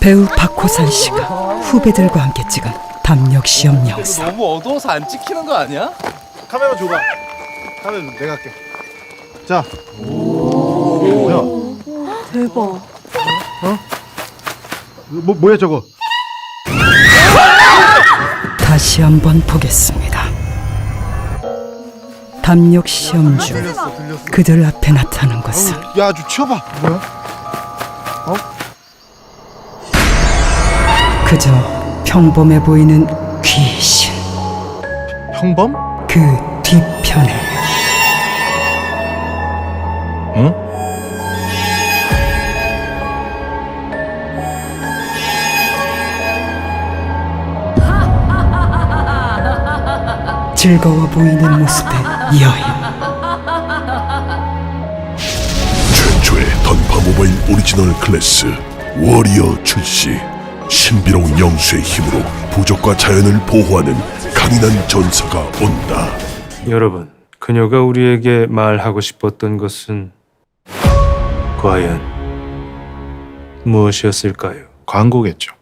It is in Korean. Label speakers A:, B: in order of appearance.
A: 배우 박호산 씨가 후배들과 함께 찍은 담력 시험 영상.
B: 너무 어두워서 안 찍히는 거 아니야?
C: 카메라 줘봐. 카메라 내가 할게. 자. 야,
D: 대박.
C: 뭐야 저거?
A: 다시 한번 보겠습니다. 담력 시험 중
C: 들렸어.
A: 그들 앞에 나타난 것은
C: 야, 좀 치워봐. 뭐야?
A: 그저 평범해 보이는 귀신.
C: 형범?
A: 그 뒤편에
C: 응?
A: 즐거워 보이는 모습의 여인.
E: 최초의 던파 모바일 오리지널 클래스 워리어 출시. 신비로운 영수의 힘으로 부족과 자연을 보호하는 강인한 전사가 온다.
F: 여러분, 그녀가 우리에게 말하고 싶었던 것은 과연 무엇이었을까요?
C: 광고겠죠.